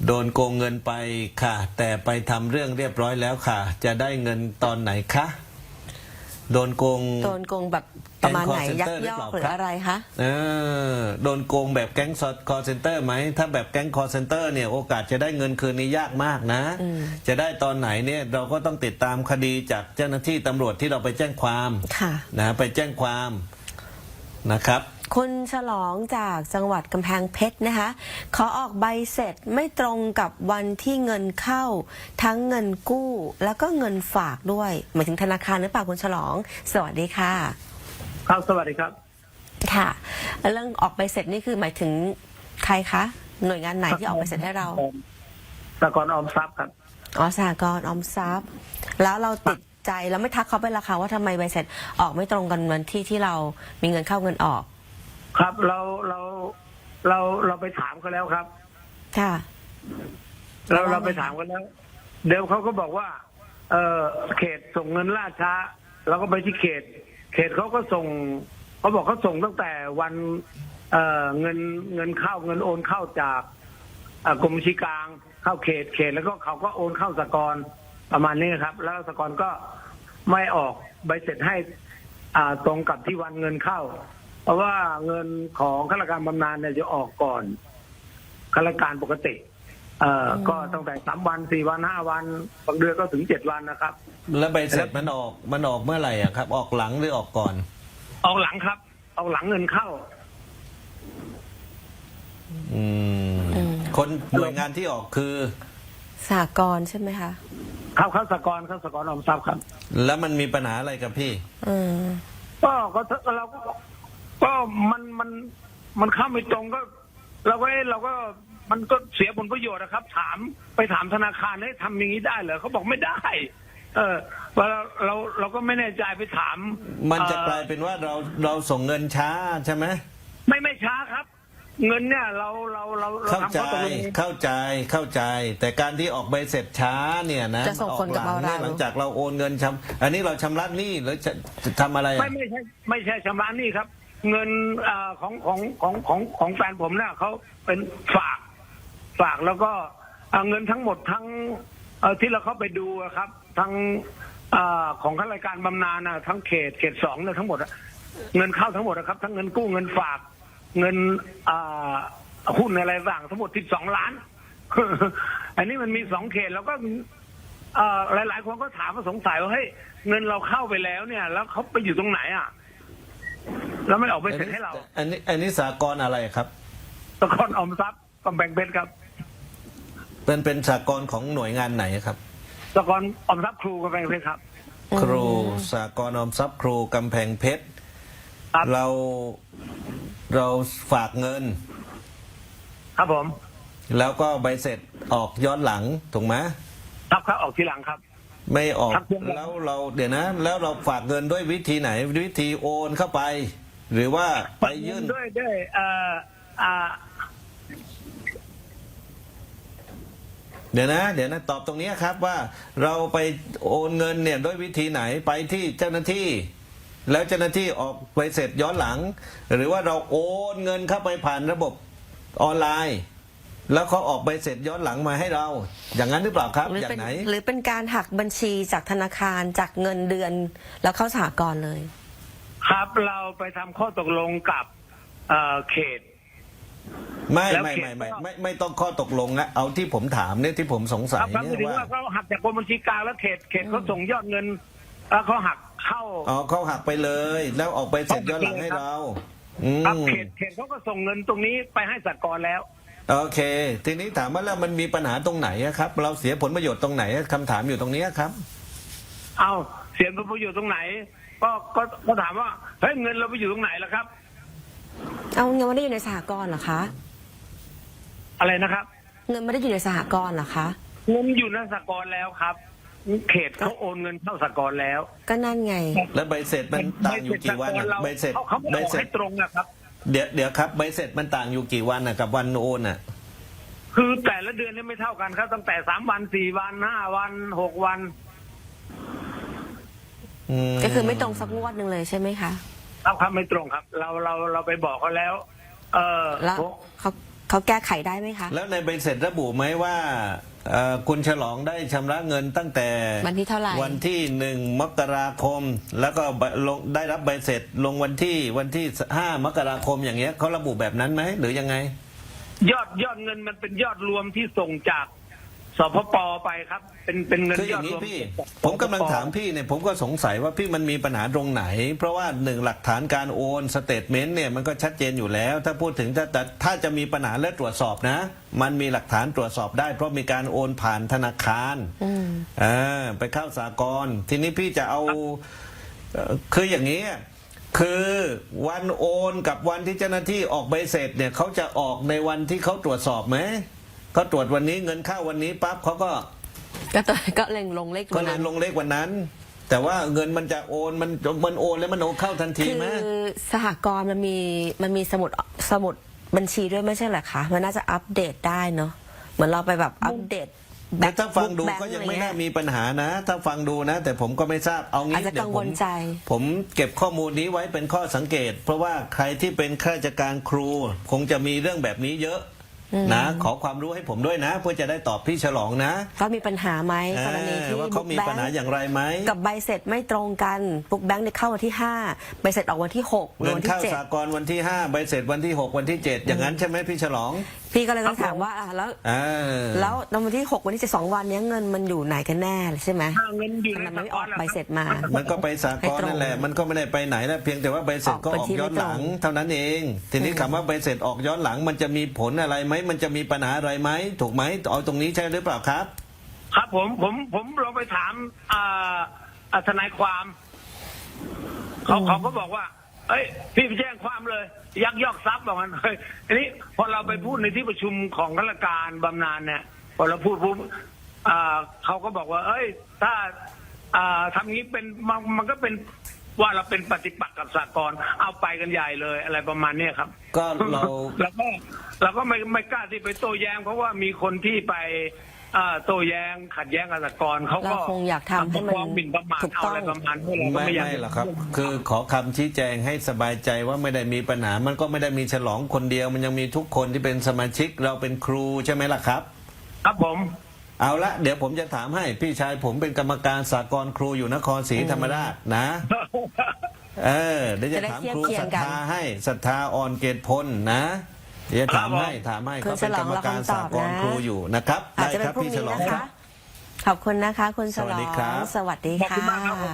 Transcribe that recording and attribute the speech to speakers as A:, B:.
A: โดนโกงเงินไปค่ะ แต่ไปทำเรื่องเรียบร้อยแล้วค่ะ จะได้เงินตอนไหนคะโดนโกง
B: แบบประมาณไหน ยักยอกหรือ
A: ค
B: อะไรคะ
A: โดนโกงแบบแก๊งคอร์เซนเตอร์ไหมถ้าแบบแก๊งคอร์เซนเตอร์เนี่ยโอกาสจะได้เงินคืนนี้ยากมากนะจะได้ตอนไหนเนี่ยเราก็ต้องติดตามคดีจากเจ้าหน้าที่ตำรวจที่เราไปแจ้งความนะไปแจ้งความนะครับ
B: คุณฉลองจากจังหวัดกำแพงเพชรนะคะขอออกใบเสร็จไม่ตรงกับวันที่เงินเข้าทั้งเงินกู้แล้วก็เงินฝากด้วยหมายถึงธนาคารหรือเปล่าคุณฉลองสวัสดีค่ะ
C: ครับสวัสดีครับ
B: ค่ะเรื่องออกใบเสร็จนี่คือหมายถึงใครคะหน่วยงานไหนที่ออกใบเสร็จให้เรา
C: สหกรณ์ออมทรัพย์ครับ
B: อ๋อสหกรณ์ออมทรัพย์แล้วเราติดใจแล้วไม่ทักเขาไปราคาว่าทำไมใบเสร็จออกไม่ตรงกันวันที่เรามีเงินเข้าเงินออก
C: ครับเราไปถามเขาแล้วครับ
B: ค่ะ
C: เราไปถามกันแล้วเดี๋ยวเขาก็บอกว่าเขตส่งเงินล่าช้าเราก็ไปที่เขตเขาก็ส่งเขาบอกเขาส่งตั้งแต่วันเงินเข้าเงินโอนเข้าจากกรมบัญชีกลางเข้าเขตแล้วก็เขาก็โอนเข้าสหกรณ์ประมาณนี้ครับแล้วสหกรณ์ก็ไม่ออกใบเสร็จให้ตรงกับที่วันเงินเข้าเพราะว่าเงินของข้าราชการบำนาญเนี่ยจะออกก่อนข้าราชการปกติก็ตั้งแต่3 วัน 4 วัน 5 วันบางเดือนก็ถึง7 วันนะครับ
A: แล้วใบเสร็จมันออกเมื่อไหร่อ่ะครับออกหลังหรือออกก่อน
C: ออกหลังครับออกหลังเงินเข้า
A: คนหน่วยงานที่ออกคือ
B: สหกรณ์ใช่ไหมคะ
C: เข้าสหกรณ์ออมทรัพย์ครับ
A: แล้วมันมีปัญหาอะไรกับพี่
C: ก็เราก็มันเข้าไม่ตรงก็เราก็มันก็เสียผลประโยชน์นะครับไปถามธนาคารให้ทำอย่างนี้ได้เหรอเขาบอกไม่ได้เราก็ไม่แน่ใจไปถาม
A: มันจะกลายเป็นว่าเราส่งเงินช้าใช่ไหม
C: ไม่ช้าครับเงินเนี่ยเรา
A: เข้าใจแต่การที่ออกใบเสร็จช้าเนี่ยนะ
B: จะส่งผลกับเรา
A: หลังจากเราโอนเงินอันนี้เราชำระหนี้หรือจะทำอะไร
C: ไม่ใช่ชำระหนี้ครับเงินของแฟนผมเนี่ยเขาเป็นฝากแล้วก็เงินทั้งหมดทั้งที่เราเข้าไปดูครับทั้งของข้าราชการบำนาญนะทั้งเขต2เนี่ยทั้งหมดเงินเข้าทั้งหมดนะครับทั้งเงินกู้เงินฝากเงินหุ้นอะไรต่างทั้งหมด12 ล้าน อันนี้มันมี2 เขตแล้วก็หลายคนก็ถามว่าสงสัยว่าเฮ้ยเงินเราเข้าไปแล้วเนี่ยแล้วเขาไปอยู่ตรงไหนแล้วไม่ออกไปเสร็จให้เรา
A: อันนี้สหกรณ์อะไรครับ
C: สหกรณ์ออมทรัพย์กำแพงเพชรครับ
A: เป็นสหกรณ์ของหน่วยงานไหนครับ
C: สหกรณ์ออมทรัพย์ครูกำแพงเพชรครับ
A: ครูสหกรณ์ออมทรัพย์ครูกำแพงเพชรเราฝากเงิน
C: ครับผม
A: แล้วก็ใบเสร็จออกย้อนหลังถูกไหม
C: ครับออกทีหลังครับ
A: ไม่ออกแล้วเราเดี๋ยวนะแล้วเราฝากเงินด้วยวิธีไหนวิธีโอนเข้าไปหรือว่าไปยื่น
C: ด้วย
A: เดี๋ยวนะตอบตรงนี้ครับว่าเราไปโอนเงินเนี่ยด้วยวิธีไหนไปที่เจ้าหน้าที่แล้วเจ้าหน้าที่ออกใบเสร็จย้อนหลังหรือว่าเราโอนเงินเข้าไปผ่านระบบออนไลน์แล้วเขาออกใบเสร็จย้อนหลังมาให้เราอย่างนั้นหรือเปล่าครับอย่างไหน
B: หรือเป็นการหักบัญชีจากธนาคารจากเงินเดือนแล้วเข้าสหกรณ์เลย
C: ครับเราไปทำข้อตกลงกับเขต
A: ไม่ต้องข้อตกลงนะเอาที่ผมถามเนี่ยที่ผมสงสัยเนี่ย
C: ว่าเขาหักจากกรมบัญชีกลางแล้วเขตเขาส่งยอดเงินแล้วเขาหักเข้า
A: เขาหักไปเลยแล้วออกไปเสร็จย้อนหลังให้เรา
C: เขตเขาก็ส่งเงินตรงนี้ไปให้สหกรณ์แล้ว
A: โอเคทีนี้ถามว่าแล้วมันมีปัญหาตรงไหนครับเราเสียผลประโยชน์ตรงไหนคำถามอยู่ตรงนี้ครับ
C: เอาเสียผลประโยชน์ตรงไหนก็ถามว่าเฮ้ยเงินเราไปอยู่ตรงไหนล่ะครับ
B: เอาเงินไม่ได้อยู่ในสหกรณ์เหรอคะ
C: อะไรนะครับ
B: เงินไม่ได้อยู่ในสหกรณ์เหรอคะ
C: เงินอยู่ในสหกรณ์แล้วครับเขตเขาโอนเงินเข้าสหกรณ์แล้ว
B: ก็นั่นไง
A: แล้วใบเสร็จมันต่างอยู่กี่วันใบเสร็จ
C: ให้ตรงนะครับ
A: เดี๋ยวครับใบเสร็จมันต่างอยู่กี่วันกับวันโอน
C: คือแต่ละเดือนนี่ไม่เท่ากันครับตั้งแต่3 วัน 4 วัน 5 วัน 6 วัน
B: ก็คือไม่ตรงสักงวดหนึ่งเลยใช่ไหมคะ
C: ครับไม่ตรงครับเราไปบอกเขาแล้ว
B: แล้วเขาเขาแก้ไขได้ไหมคะ
A: แล้วในใบเสร็จระบุไหมว่าคุณฉลองได้ชำระเงินตั้งแต่
B: วันที่เท่าไหร่
A: วันที่1 มกราคม แล้วก็ลงได้รับใบเสร็จลงวันที่5 มกราคมอย่างเงี้ยเขาระบุแบบนั้นไหมหรือยังไง
C: ยอดเงินมันเป็นยอดรวมที่ส่งจากสพป.ไปครับ เป็นเงิน
A: คืออย
C: อ
A: อ
C: ด
A: ย่าง
C: ร
A: นี้
C: วม
A: พี่
C: จาก
A: ผมกำลัง
C: สพป.
A: ถามพี่เนี่ยผมก็สงสัยว่าพี่มันมีปัญหาตรงไหน เพราะว่าหนึ่งหลักฐานการโอนสเตทเมนต์เนี่ยมันก็ชัดเจนอยู่แล้ว ถ้าพูดถึงถ้าจะมีปัญหาและตรวจสอบนะ มันมีหลักฐานตรวจสอบได้ เพราะมีการโอนผ่านธนาคารไปเข้าสหกรณ์ทีนี้พี่จะเอาคืออย่างนี้คือวันโอนกับวันที่เจ้าหน้าที่ออกใบเสร็จเนี่ยเขาจะออกในวันที่เขาตรวจสอบไหมเขาตรวจวันนี้เงินเข้าวันนี้ปั๊บเขาก็
B: ก็เล็งลงเลข
A: ก็เลยลงเลขวันนั้น แต่ว่าเงินมันจะโอนมันโอนแล้วมันโอนเข้าทันที
B: คือ
A: ไหม
B: สหกรณ์มันมีสมุดบัญชีด้วยไม่ใช่เหรอคะมันน่าจะอัปเดตได้เนาะเหมือนเราไปแบบอัปเดต
A: แต่ถ้าฟังดู
B: แบค์
A: ก็ยัง
B: อะร
A: ไม่
B: เ
A: น่ามีปัญหานะ ถ้าฟังดูนะ แต่ผมก็ไม่ทราบเอา
B: อา
A: งี้
B: จจะ
A: เดี๋
B: กั
A: ยว
B: งวลใจ
A: ผมเก็บข้อมูลนี้ไว้เป็นข้อสังเกต เพราะว่าใครที่เป็นข้าราชการครู คงจะมีเรื่องแบบนี้เยอะนะขอความรู้ให้ผมด้วยนะ เพื่อจะได้ตอบพี่ฉลองนะ
B: ก็มีปัญหาไหมกรณีที่
A: ว่าเขามีปัญหาอย่างไรไหม
B: กับใบเสร็จไม่ตรงกันบุ๊กแบงค์เนี่ยเข้าวันที่5ใบเสร็จออกวันที่6
A: เงิน
B: วัน
A: เข้า
B: ที่
A: สากลวันที่5ใบเสร็จวันที่6วันที่7อย่างนั้นใช่ไหมพี่ฉลอง
B: 7พี่ก็เลยต้องถามว่าแล้ว แล้ววันที่6วันที่7 2 วันเนี้ยเงินมันอยู่ไหนกันแน่ใช่ไหม
C: เงินอยู่
B: ทำ
C: ใน
B: ไมไม่ออกใบเสร็จมา
A: มันก็ไปสากลนั่นแหละมันก็ไม่ได้ไปไหนแล้วเพียงแต่ว่าใบเสร็จก็ออกย้อนหลังเท่านั้นเอง ทีนี้คำว่าใบเสร็จออกย้อนหลัง มันจะมีผลอะไรไหมมันจะมีปัญหาอะไรไหมถูกไหมเอาตรงนี้ใช่หรือเปล่าครับ
C: ครับผมลองไปถามทนายความเขาก็บอกว่า เอ้ยพี่ไปแจ้งความเลย ยักยอกทรัพย์บอกงั้นเฮ้ยอันนี้พอเราไปพูดในที่ประชุมของข้าราชการบำนาญเนี่ยพอเราพูดปุ๊บเขาก็บอกว่า เอ้ย ถ้าทำงี้เป็นมันก็เป็นว่าเราเป็นปฏิปักษ์กับสหกรณ์เอาไปกันใหญ่เลยอะไรประมาณเนี้ยครับ
A: ก็เรา
C: เราก็ไม่กล้าที่ไปโต้แย้งเพราะว่ามีคนที่ไปโต้แย้งขัดแย้งกับสหกรณ์เขาก็
B: เราคงอยากทำให้มัน
C: ฟ้องหมิ่นประมาท
B: ถูก
C: เอา
B: ต้อง
C: อะไรประมาณนี้เราก็
A: ไม่
C: ไม่อยาก
A: ไม่หรอกครับ คือขอคำชี้แจงให้สบายใจว่าไม่ได้มีปัญหา มันก็ไม่ได้มีฉลองคนเดียว มันยังมีทุกคนที่เป็นสมาชิกเราเป็นครูใช่ไหมล่ะครับ
C: ครับผม
A: เอาละเดี๋ยวผมจะถามให้พี่ชายผมเป็นกรรมการสากลครูอยู่นครศรีธรรมราชนะเดี๋ยวจะถามครูศรัทธาให้ศรัทธาอ่อนเกตพลนะเดี๋ยวถามให้เขาเป็นกรรมการสากลครูอยู่นะครับ
B: อาจ
A: ได้
B: จะเป็
A: คน รับ
B: พรุ่ง
A: พี่ฉ
B: นี้
A: ลอง
B: นะ
A: ครั
B: คะ
A: บ
B: ขอบคุณนะคะคุณฉล
A: สวัส
B: อ
A: ดีครับ
B: งสวัสดี
C: ขอบคุณมากครับ
B: ค่ะ